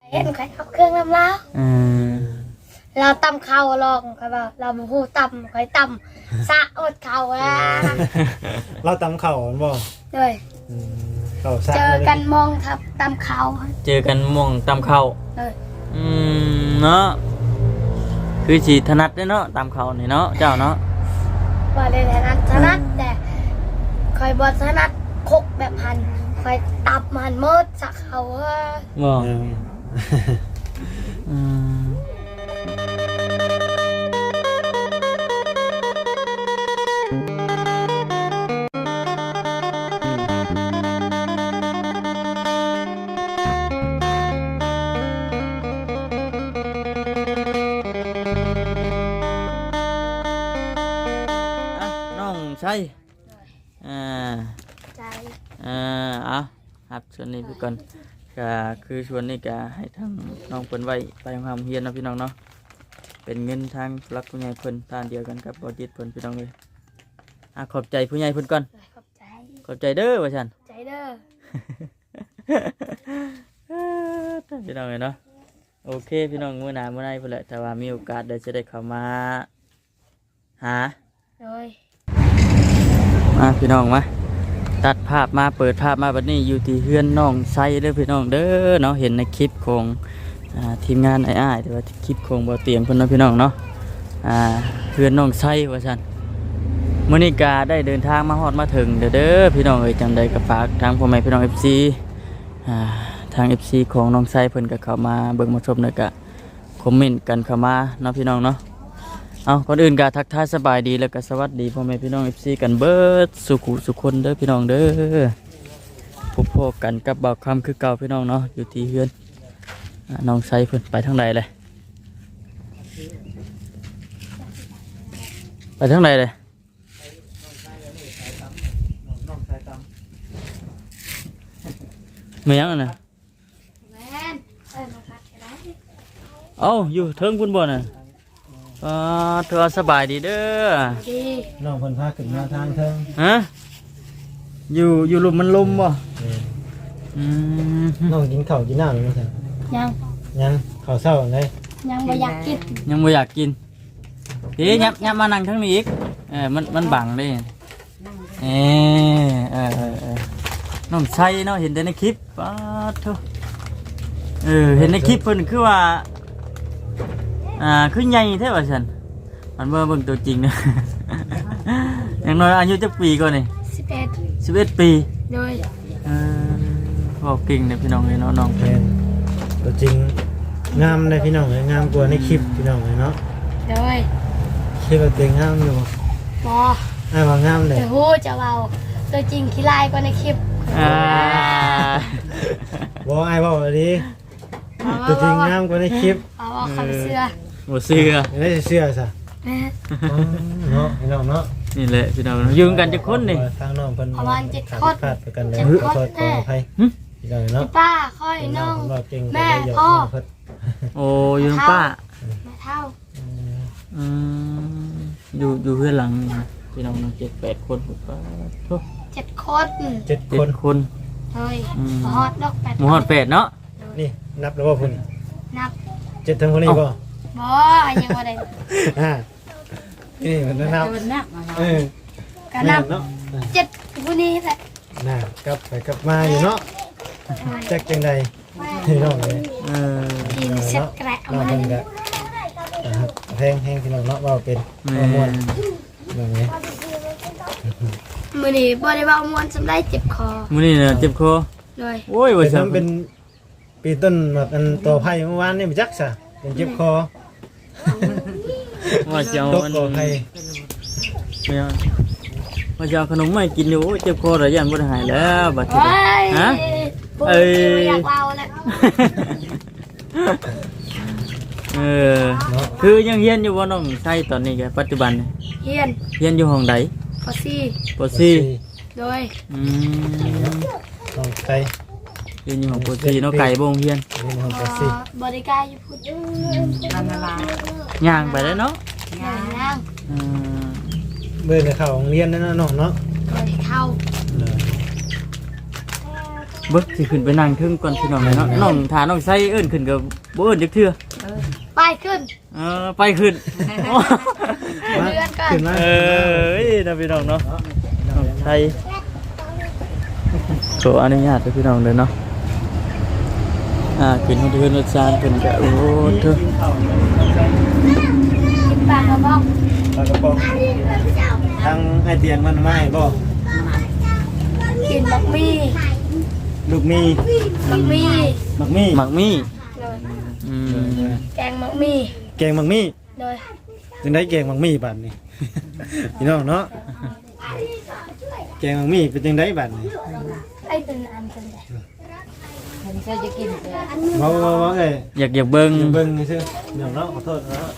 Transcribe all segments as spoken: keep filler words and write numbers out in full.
เห็นใครเอาเครื่องน้ำล้าอืมเราตำข้าวลองใครบอกเราบุหูตำใครตำสะอดข้าวอ่ะเราตำเข่าบ่ด้วยอืมเข่าซะเจอกันมองทับตำข้าวเจอกันม่วงตำเข้าเลยอืมเนาะคือสิถนัดเด้อเนาะตำเข้านี่เนาะเจ้าเนาะว่าได้ถนัดถนัดแต่คอยบอถนัดคกแบบหันคอยตับมันหมดสะเขาอ่ะบ่เอออืมอ่ะน้องใช่อ่าใจอ่าเอาครับส่วนนี้พี่ก่อนก็คือส่วนนี้ก็ให้ทางน้องเพิ่นไว้ไปทำความเฮียนเนาะพี่น้องเนาะเป็นเงินทางรักผู้ใหญ่เพิ่นทานเดียวกันกับบอจิตเพิ่นพี่น้องเลยอ่ะขอบใจผู้ใหญ่เพิ่นก่อนขอบใจขอบใจเด้อว่าฉันใจเด้อพี่น้องเลยเนาะโอเคพี่น้องมื้อหน้ามื้อไหนเพิ่นแหละแต่ว่ามีโอกาสได้จะได้เข้ามาหาเลยมาพี่น้องมาตัดภาพมาเปิดภาพมาบัดนี้อยู่ที่เฮือนน้องไซเด้อพี่น้องเด้อเนาะเห็นในคลิปของอ่าทีมงานไอ้อ้ายแต่ว่าคลิปของบ่เตียงเพิ่นเนาะพี่น้องเนาะอ่าเฮือนน้องไซว่าซั่นมื้อนี้ก็ได้เดินทางมาฮอดมาถึงเด้อเด้อพี่น้องเอ้ยจังใดก็ฝากทางพ่อแม่พี่น้อง เอฟ ซี อ่าทาง เอฟ ซี ของน้องไซเพิ่นก็เข้ามาเบิ่งมาชมแล้วก็คอมเมนต์กันเข้ามาเนาะพี่น้องเนาะเอาก่อนอื่นก็ทักทายสบายดีแล้วก็สวัสดีพ่อแม่พี่น้อง เอฟ ซี กันเบิดสุขุสุขคนเด้อพี่น้องเด้อพบพบกันกับบ่าวคำคือเก่าพี่น้องเนาะอยู่ที่เฮือนอ่าน้องไซเพิ่นไปทางใดเลยไปทางใดเลยไม่ยังอะนะแม่นเอ้ยมาพักได้เอ้าอยู่เทิงพุ่นบ่น่ะอ่าเธอสบายดีเด้อดีน้องเพิ่นพาขึ้นมาทางเทิงฮะอยู่อยู่ลมมันลมบ่เอออืมน้องกินข้าวกินน้ำหรือเปล่ายังยังข้าวเช้าเลยยังไม่อยากกินยังบ่อยากกินพี่ยับยับมานั่งทั้งนี้อีกเออมันมันบังเด้เออเออเออเออน้องใช่เนาะเห็นแต่ในคลิปป๊าดโธ่เออเห็นในคลิปเพิ่นคือว่าอ่าคือใหญ่แท้ว่าซั่นมันเบิ่งเบิ่งตัวจริงเนาะ อย่างน้อยอายุจักปีก่อนนี่สิบเอ็ดสิบเอ็ดปีโดยเออบอกเก่งเลยพี่น้องเลยเนาะน้องแม่นตัวจริงงามเลยพี่น้องเลยงามกว่าในคลิปพี่น้องเลยเนาะโดยคิดว่าตัวเองงามอยู่บ่บออ้ายว่างามเลยแต่หูจะเบาตัวจริงขี้ลายกว่าในคลิปอ่าบ่อ้ายเว้าดีตัวจริงงามกว่าในคลิปเอาว่าคำเสื้อหมดเสื้อไม่ได้เชื่อซะแม่อ๋อเนาะพี่น้องเนาะนี่แหละพี่น้องยืมกันจะคนนี่ทางน้องเพิ่นประมาณเจ็ดขาคนพลาดไปกันแล้วเจ็ดขอคนโทษขออภัยหึพี่น้องเนาะป้าค่อยน้องว่าเก่งแม่ก็เลยยกพ่อน้งเพิ่นโอ้อยืมป้าแม่เท่าอืมอยู่อยู่เพื่อนหลังนี่นะพี่น้องเนาะเจ็ดแปดคนผมก็โธ่เจ็ดคนเจ็ดเจ็คดนคนเฮ้ยอืมฮอดดอกแปดหมูฮอดแปดเนาะนี่นับแล้วว่าพุ่นนับเจ็ดทั้งคนนี้บ่บอยังว่าได้อ่านี่มันนับเออก็นับแม่เนาะเจ็ดผู้นี้แหละน่ะกลับไปกลับมาอยู่เนาะจักจังใดพี่น้องเลยเออกินเสร็จแกะเอาน้องมาเพิ่นก็นะครับแพงแพงพี่น้องเนาะว่าเป็นแม่ว่าม่วนแบบนี้มือนี้บอได้เบาม้วนจำได้เจ็บคอมื้อนี้เนี่ยเจ็บคอเลยโอ้ยว่าเป็นซั่นน้ำเป็นปีต้นแบบอันต่อไผ่เมื่อวานนี่บ่จักซะเป็นเจ็บคอว่าจะเอาตกอันต่อไผ่ไม่เอาว่าจะเอาขนมมาให้กินอยู่โอ้ยเจ็บคอแล้วยันบ่ได้หายแล้วบัดนี้โอ้ยฮะปุ๊บเอ้ยอยากเบาแล้วเออเนาะคือยังเฮียนอยู่บ่น้องใช่ตอนนี้แกปัจจุบันนี่เฮียนเฮียนอยู่ห้องใดพอซี่ปสี่โดยอืมน้องไก่เฮียนอยู่ห้องปสี่เนาะไก่บ่งเฮียนนี่น้องบก็สิบริการอยู่พุทธย่างไปแล้วเนาะงานนั่งอืมเบิ่งเข้าโรงเรียนนั่นน่ะน้องเนาะบริเข้าเออเบิกสิขึ้นไปนั่งทึ่งก่อนพี่น้องเลยเนาะน้องถาน้องไส้เอิ้นขึ้นกับบ่เอิ้นจักเทื่อไปขึ้นเออไปขึ้นเรือนกันขึ้นมาเออนะพี่น้องเนาะน้องไส้ขออนุญาตพี่น้องเลยเนาะอ่าขึ้นห้องเทือนรถซานขึ้นก็โอ้เถอะกินปลากระบอกปลากระป๋องทางไอเตียงมันมาให้บ่กินบักมี่ลูกมีบักมี่มักมีหมักมี่เลยอืมแกงบักมี่แกงมักมีเลยจังได้แกงมักมีบัดนี้ พี่น้องเนาะแกงมักมีเป็นจังได้บัดนี้ไอ้เป็นอันเป็นแหละฉันเคยจะกินแต่เว้าเว้าเว้าเอ้ยอยากอยากเบิ่งอย่าเบิ่งซื่อเดี๋ยวเนาะขอโทษเนาะ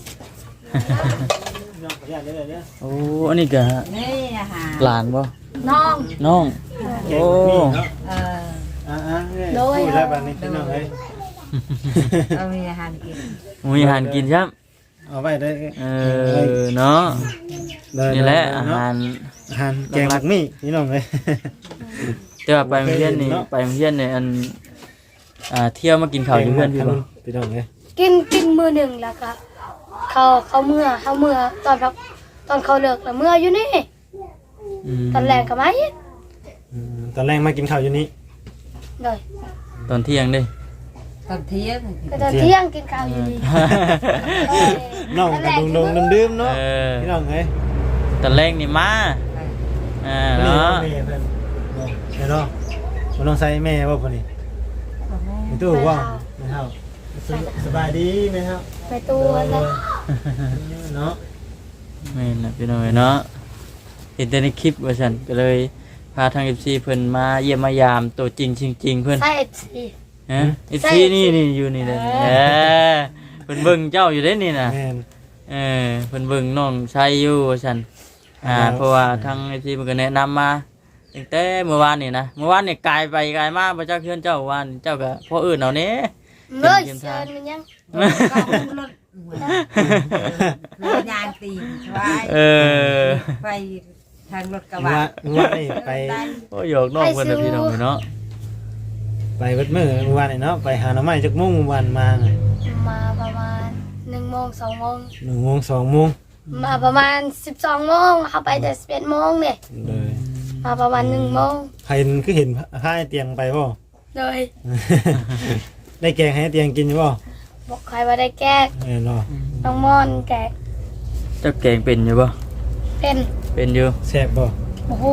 น้องขออนุญาตเด้อเด้อโอ้อันนี้ก็นี่อาหารหลานบ่น้องน้องแกโอ้งมักมีเนาะเอออ่าๆเอ้ยพูดแล้วบัดนี้พี่น้องเอ้ยเรามีอาหารกินมีอาหารกินใช่ไหมเอาไว้ได้เออเนาะได้นี่แหละได้อาเนาะหารอาหารแกงมักมีพี่น้องเอ้ยแต่ว่าไปโรงเรียนนี่เนาะไปโรงเรียนนี่อันอ่าเที่ยวมากินข้าวอยู่เพื่อนพี่บ่พี่น้องเอ้ยกินกินมือหนึ่งแล้วก็เขาเขาเมื่อเขาเมื่อตอนรับตอนเขาเลิกแล้วเมื่ออยู่นี่อืมตอนแรกก็มาอีกอืมตอนแรกมากินข้าวอยู่นี่เลยตอนเที่ยงเด้ตอนเที่ยงก็ตอนเที่ยงกินข้าวอยู่นี่น้องกันดงๆดื่มๆเอเนาะอพี่น้องเอ้ยตอนแรกนี่มาอ่านี่เนาะแม่เพิ่นเดี๋ยวเนาะบ่ต้องใส่แม่บ่พุ่นนี่มีตู้ว่าแม่เฮาสสบายดีแม่เฮาไปตู้แล้วเนาะแม่นน่ะพี่น้องเอ้ยเนาะเห็นแต่ในคลิปว่าซั่นก็เลยพาทาง เอฟ ซี เพิ่นมาเยี่ยมมายามตัวจริงจริงๆเพิ่นใช่สิฮะ เอฟ ซี นี่นี่อยู่นี่เลยเออเพิ่นเบิ่งเจ้าอยู่เด้นี่น่ะแม่นเออเพิ่นเบิ่งน้องชายอยู่ว่าซั่นอ่าครับเพราะว่าทาง เอฟ ซี เพิ่นก็แนะนำมาตั้งแต่เมื่อวานนี่นะเมื่อวานนี่กลายไปกลายมาบ่จักเฮือนเจ้าวันเจ้าก็พ่ออื่นเอาแหน่เมื่อเชิญมันยังรถรถยางตีนไว้เออไปทางรถกระว่าบะว่านี่ไปโอ้ยอกน้องเพิ่นน่ะพี่น้องเนาะไปเบิดมื้อเมื่อวานนี่เนาะไปหาหน่อไม้จักโมงเมื่อวานมาไงมาประมาณหนึ่งโมงสองโมงหนึ่งโมงสองโมงมาประมาณสิบสองโมงเขาไปแต่สิบเอ็ดโมงเนี่ยเลยมาประมาณหนึ่งโมงใครเห็นคือเห็นผ้าให้เตียงไปบ่เลยได้แกงให้เตียงกินอยู่บ่บอกใครว่าได้แก้เออเนาะน้องมอนแกะเจ้าแกงเป็นอยู่บ่เป็นเป็นอยู่แซ่บบ่โอ้โห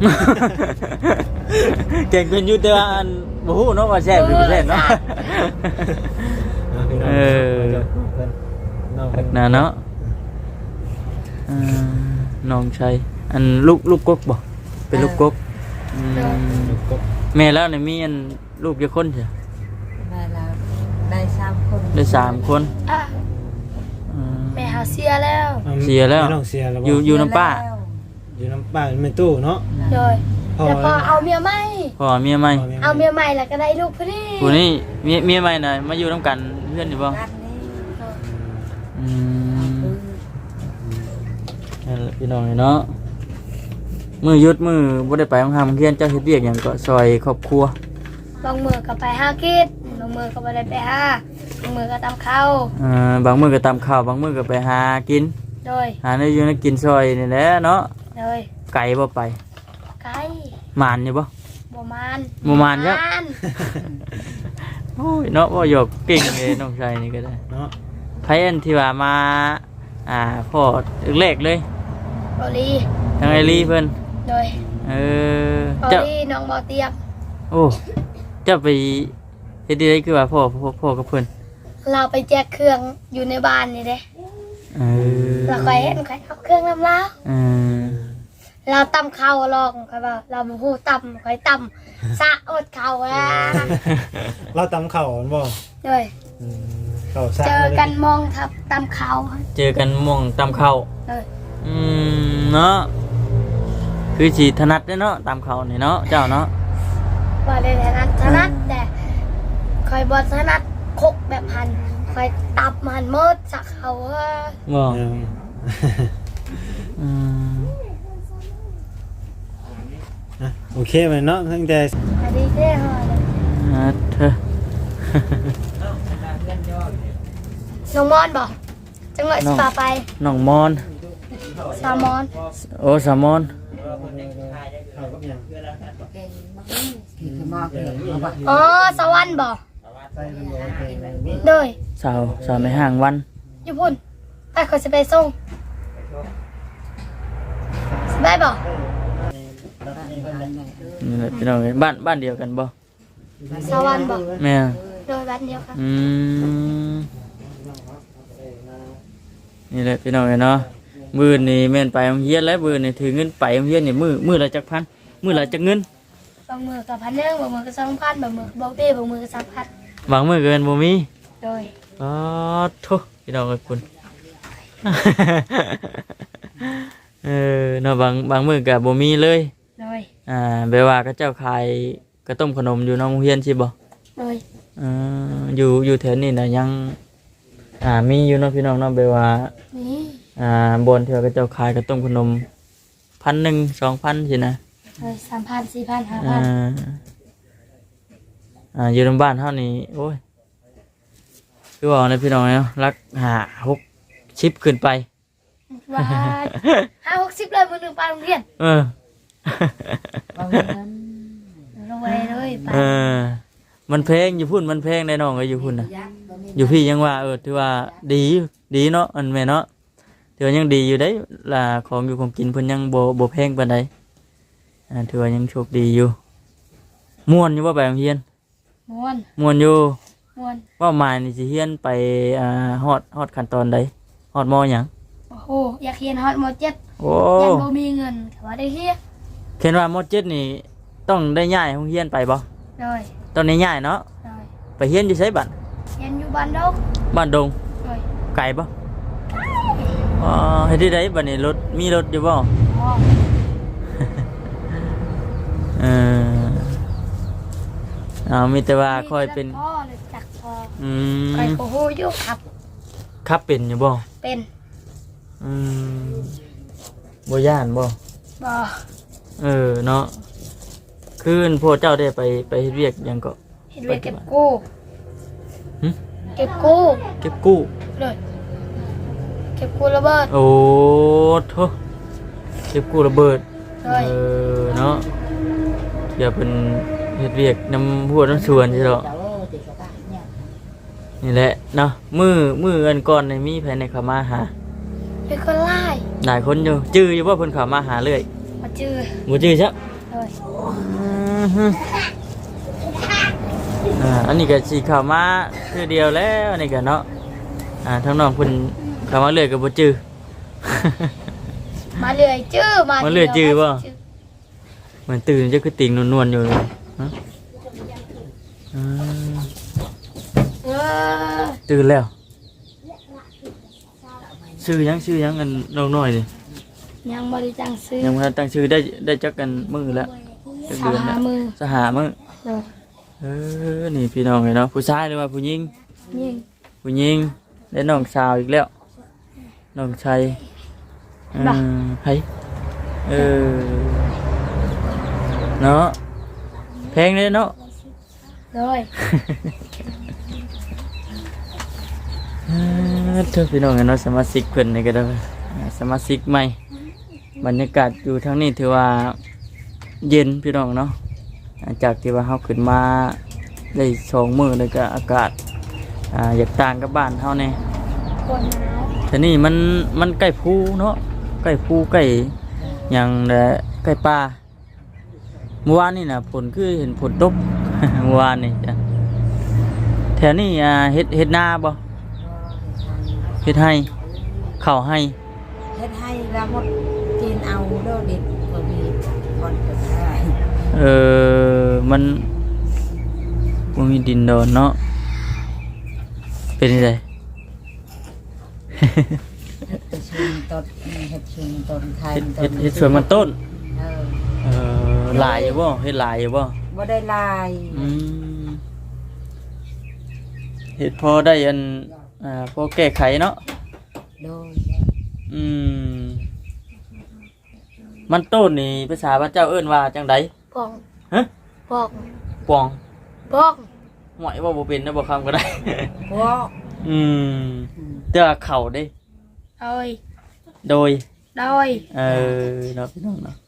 แกงเป็นอยู่แต่ว่าอันบ่ฮู้เนาะว่าแซ่บหรือบ่แซ่บเนาะ เออน้องหักหน้าเนาะอ่าน้องชายอันลูกลูกกกบ่เป็นลูกกกอืมแม่แล้วนี่มีอันลูกกี่คนจ้ะได้แล้วได้สามคนได้สามคนอ่ะอืมแม่หาเสียแล้วเสียแล้วน้องเสียแล้วบ่อยู่อยู่น้ำป้าอยู่น้ำป้าในตู้เนาะเลยพ่อแล้วพอเอาเมียใหม่พ่อเมียใหม่เอาเมียใหม่แล้วก็ได้ลูกพอดีผู้นี้เมียเมียใหม่น่ะมาอยู่นํกันเพื่อนอยู่บ่บ้านนี้อืมนั่นแหละพี่น้องเนาะมือหยุดมือบ่ได้ไปโรงเรียนเจ้าเฮ็ดเวียกหยังก็ซอยครอบครัวบางมือก็ไปห้ากิดบางมือก็ไม่ได้ไปห้าบางมือก็ตามเข้าเอ่อบางมื้อก็ตำข้าวบางมื้อก็ไปหากินโดยหาได้อยู่ในกินซอยนี่แหละเนาะโดยไก่บ่ไปไก่หมานอยู่บ่บมานบ่มานครับมานโอ้ยเนาะบ่หยอกเก่งเลยน้องชายนี่ก็ได้เนาะไผอันที่ว่ามาอ่าพ่อแรกๆเลยบอลีทางไอรีเพิ่นโดยเออบอเจ้าลีน้องบอเตียบโอ้เจ้าไปเฮ็ดได้คือว่าพ่อพ่อพ่อกับเพิ่นเราไปแจกเครื่องอยู่ในบ้านนี่เด้เออเราคอยเห็นคอยเอาเครื่องน้ำลาวเออเราตำข้าวลองคอยว่าเราบูฮู้ตำคอยตำสะอดข้าวอ่ะเราตำข้าวบ่โดยอืมข้าวสารเจอกันมองทับตำข้าวเจอกันหม่องตำข้าวโดยอืมเนาะคือสิถนัดเด้อเนาะตำข้าวนี่เนาะเจ้าเนาะว่าได้ถนัดถนัดแต่คอยบอถนัดคกแบบหันคอยตับมันหมดสักเขาว่าบ่เอออืมโอเคไหมเนาะตั้งแต่อันนี้เท่หอเลยอ่าเธอน้องมอนบอกจังหวัดสปาไปน้องมอนซามอนโอ้สามอนคือมอกเลยมาบอกอ๋อสวรรค์บอกโดยสาวสาวไม่ห่างวันญี่ปุ่นไปเขาจะไปส่งสบายบอกนี่แหละพี่น้องเอ้ยบ้านบ้านเดียวกันบ่สวรรค์บอกแม่โดยบ้านเดียวกันอืมนี่แหละพี่น้องเอ้ยเนาะมื้อนี่แม่นไปโรงเรียนแล้วมื้อนี่ถือเงินไปโรงเรียนนี่มื้อมื้อละจักพันมื้อละจักเงินบางมือกับพันหนึ่งบางมือกับสองพันบางมือบอกเต้บางมือกับสามพันบางมื้อเกินบ่มีโดยอ๋อโทุพี่น้องเอ้ยคุณ เออเนาะบางบางมื้อก็บ่มีเลยโดยอ่าแปลว่าเขาเจ้าขายกระต้มขนมอยู่นอกโรงเรียนสิบ่โดยเอ่ออยู่อยู่แถวนี้น่ะยังอ่ามีอยู่เนาะพี่น้องเนาะแปลว่านี่อ่าบนที่ว่าเขาเจ้าขายกระต้มขนมพันหนึ่งสองพันสินะโดยสามพันสี่พันห้าอ่าพันอ่าอยู่ในบ้านเฮานี่โอ้ยคือว่าในพี่น้องเนาะรักหาหกชิปขึ้นไปว่าห้าหกสิบเลยมือหนึ่งไปโรงเรียนเออเอาเงินลงไปเลยไปเออมันแพงอยู่พุ่นมันแพงได้น้องก็อยู่พุ่นน่ะอยู่พี่ยังว่าเออถือว่าดีอยู่ดีเนาะอันแม่เนาะถือว่ายังดีอยู่ได้ล่ะของอยู่ของกินเพิ่นยังบ่บ่แพงปานใดอ่าถือว่ายังโชคดีอยู่ม่วนอยู่บ่ไปโรงเรียนม้วนม่วนอยู่ม้วนว่าหมายนี่สิเรียนไปอ่าฮอดฮอดขั้นตอนใดฮอดมหยังโอ้โหอยากเรียนฮอตมอเจ็ดโอ้ยังบ่มีเงินแต่ว่าได้เฮียเห็นว่ามเจ็ดนี่ต้องได้ย้ายโรงเรียนไปบ่โดยตอนนี้ย้ายเนาะโดยไปเรียนอยู่ไสบัดเรียนอยู่บ้านดงบ้านดงโดยไกลบ่อ๋อเฮ็ดได้ไดบัดนี้รถมีรถอยู่บ่พ่อเออเอามีแต่ว่าค่อยเป็นพ่อเลยจักพ่ออืคอยมโอ้โหอยู่ครับขับเป็นอยู่บ่เป็นอืมบ่ย่านบ่บ่เออเนาะคืนพวกเจ้าได้ไปไปเฮ็ดเวียกหยังก็เห็นเวยเก็บกู้หึเก็บกู้เก็บกู้เลยเก็บกู้ระเบิดโอ้โถเก็บกู้ระเบิดเลเอย อเนาะเดี๋ยวเป็นเฮ็ดเวียกนำหัวน้ำสวนใช่หรอนี่แหละเนาะมือมืออันก่อนในมีภายในเขามาหาเป็นคนไล่หลายคนอยู่จื้ออยู่ว่าเพิ่นเขามาหาเรื่อยมาจื้อบ่จื้อซะเลยอือฮึอ่าอันนี้ก็สิเข้ามาคือเดียวแล้วอันนี้ก็เนาะอ่าทั้งน้องเพิ่นเข้ามาเรื่อยก็บ่จื้อมาเลื่อยจื้อมามาเลื่อยจื้อบ่มาเหมือนตื่นจะคือติ่งนวลๆอยู่เลยฮะอืมเออตื่นแล้วชื่อยังชื่อยังกันน้องน้อยนี่ยังบริจังซื้อยังบ่ทันตั้งชื่อได้ได้จักกันมื้อแล้วจักสาเดือนแล้วมือสหามื้อเลยเออนี่พี่น้องไงเนาะผู้ชายหรือว่าผู้หญิงยิงผู้หญิงได้น้องสาวอีกแล้วน้องชายอืมไผเออเนาะแพงเลยเนาะเลยเออเธอพี่น้องเนาะสมาชิกเพิ่นนี่ก็ได้สมาชิกใหม่บรรยากาศอยู่ทางนี้ถือว่าเย็นพี่น้องเนาะหลังจากที่ว่าเฮาขึ้นมาได้สองมื้อแล้วก็อากาศอ่าอยากต่างกับบ้านเฮาแน่คนหนาวแต่นี่มันมันใกล้ภูเนาะใกล้ภูใกล้หยังแหละใกล้ป่าเมื่อวานนี่น่ะฝนคือเห็นฝนตก เมื่อวานนี่จ้ะแถวนี้อ่าเฮ็ดเฮ็ดนาบ่ เฮ็ดให้เข้าให้เฮ็ดให้แล้วหมดกินเอาโดดเด็ดบ่มีคนเกิดได้เออมันบ่มีดินดอนเนาะเป็นจังไดเฮ็ดชุมต้นเฮ็ดชุมต้นไทยเฮ็ดเฮ็ดเฮ็ดสวนมันต้นเออเออหลายอยู่บ่เฮ็ดหลายอยู่บ่บ่ได้ลายอืมเฮ็ดพอได้อันอ่าพอแก้ไขเนาะโดยอืมมันต้นนี่ภาษาพระเจ้าเอิ้นว่าจังไดปองฮะปองปองปองหวยว่าบ่เป็นนะบ่คำก็ได้พวกอืมเด้อเข่าเด้โดยโดยโดยเออเนาะพี่น้องเนาะ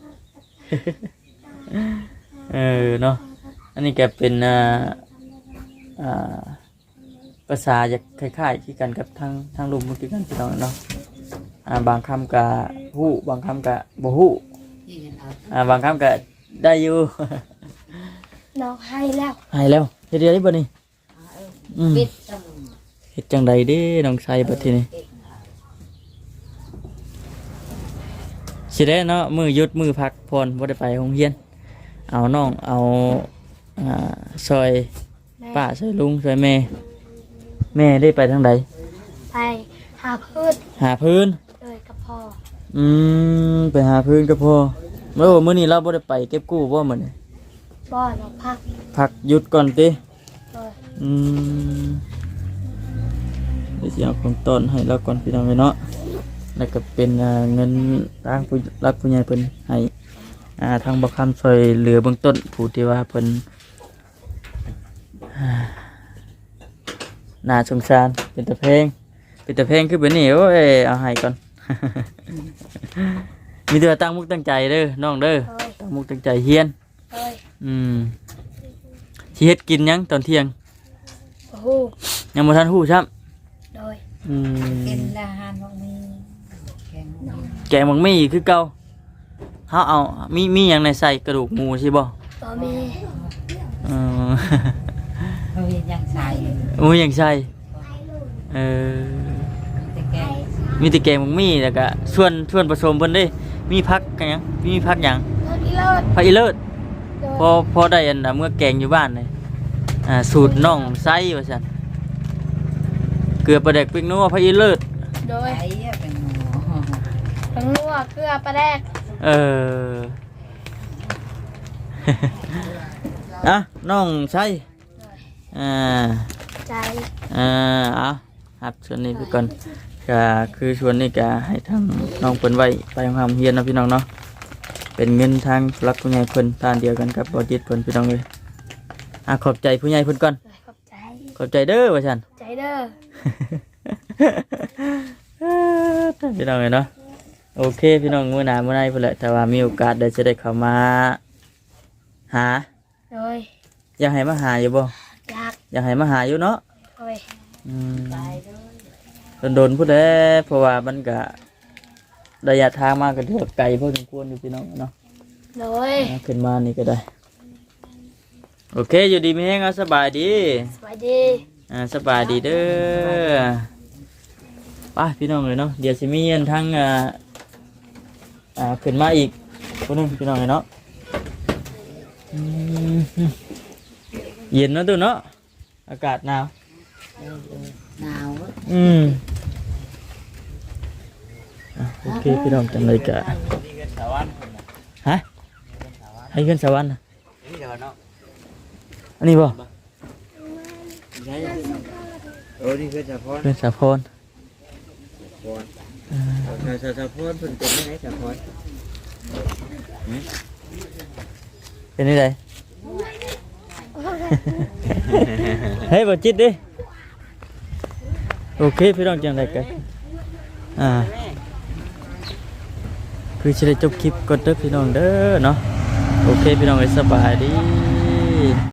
เออเนาะอันนี้แกเป็นอ่าอ่าภาษาจะคล้ายๆที่กันกับทางทางลุมเมื่อกี้กันพี่น้องเนาะอ่าบางคำกะฮู้บางคำกะบ่ฮู้ที่เงินเอาอ่าบางคำกะได้อยู่น้องให้แล้วให้แล้วเฮ็ดได้บ่นี่อืมปิดจังเฮ็ดจังใดเด้น้องชายบัดทีนี้สิได้เนาะมือหยุดมือพักผ่อนบ่ได้ไปโรงเรียนเอาน้องเอาอ่าซอยแม่ป้าซอยลุงซอยแม่แม่ได้ไปทางใดไปหาพืชหาพื้นเลยกับพ่ออืมไปหาพื้นก็พอเมื่อมื้อนี้เราบ่ได้ไปเก็บกู้บ่มื้อนี้บ่อน้องพักพักหยุดก่อนติเลยอืมเดี๋ยวสิเอาของต้นให้เราก่อนพี่น้องเนาะแล้วก็เป็นอ่าเงินทางผู้รักผู้ใหญ่เพิ่นให้อ่าทางบ่คำช่วยเหลือเบื้องต้นผู้ที่ว่าเพิ่นอ่าน่าสงสารเป็นตะเพงเป็นตะเพงคือแบบนี้โอ้ยเอาให้ก่อน มีแต่ว่าตั้งมุกตั้งใจเด้อน้องเด้อเลยตั้งมุกตั้งใจเฮียนเลยอืมสิเฮ็ดกินหยังตอนเที่ยงโอ้โหยังบ่ทันฮู้ซ้ำเลยอืมกินละหานพวกนี้แกงหมูแกงบักมี่คือเก่าเฮาเอามีมีหยังในใส่กระดูกหมูใช่บ่บ่มีเออเขาเห็นยังใส่หมูหยังใส่เออแต่แกงมีแต่แกงบักมี่แล้วก็ส่วนส่วนผสมเพิ่นเด้มีผักกันหยังมีผักหยังเลิศอีเลิศผักอีเลิศเลยพอพอได้อันน่ะเมื่อแกงอยู่บ้านนี่อ่าสูตรน้องไส้ว่าซั่นเกลือปลาแดกพริกนัวผักอีเลิศโดยใส่เป็นหมูทั้งนัวเกลือปลาแดกเออ อ่ะน้องไส้อ่าใจอ่าเอาครับส่วนนี้ไปก่อนก็คือส่วนนี้ก็ให้ทางน้องเพิ่นไว้ไปทำเฮียนเนาะพี่น้องเนาะเป็นเงินทางรักผู้ใหญ่เพิ่นทานเดียวกันกับบอจิตเพิ่นพี่น้องเลยอ่ะขอบใจผู้ใหญ่เพิ่นก่อนเลยขอบใจขอบใจเด้อว่าซั่นใจเด้อพี่น้องเลยเนาะโอเคพี่น้องมื้อหน้ามื้อไหนพุ่นแหละแต่ว่ามีโอกาสได้จะได้เข้ามาหาเลยอยากให้มาหาอยู่บ่อยากอยากให้มาหาอยู่เนาะเลยอืมใส่ด้วยโดนๆพูดแด้เพราะว่ามันก็ระยะทางมากก็ถือว่าไกลพอสมควรอยู่พี่น้องเนาะเลยอ่าขึ้นมานี่ก็ได้โอเคอยู่ดีมีแห้งเอาสบายดีสวัสดีอ่าสบายดีเด้อไปพี่น้องเลยเนาะเดี๋ยวสิมีอันทั้งอ่าอ่าขึ้นมาอีกคนหนึงพี่น้องเลยเนาะอืมเย็นเนาะตัวเนาะอากาศหนาวหนาวอืมอ่ะโอเคพี่น้องจังเลยกะฮะให้ขึ้นสวรรค์น่ะอันนี้บ่โอ้นี่คือสะพอนขึ้นสะพอนสะสะพอนเพิ่นเป็นยังไงสะพอนเป็นนี่ได เฮ้ยบ่จิตดิโอเคพี่น้องจังเลยกะอ่าคือจะได้จบคลิปก่อนเด้อพี่น้องเด้อเนาะโอเคพี่น้องเลยสบายดี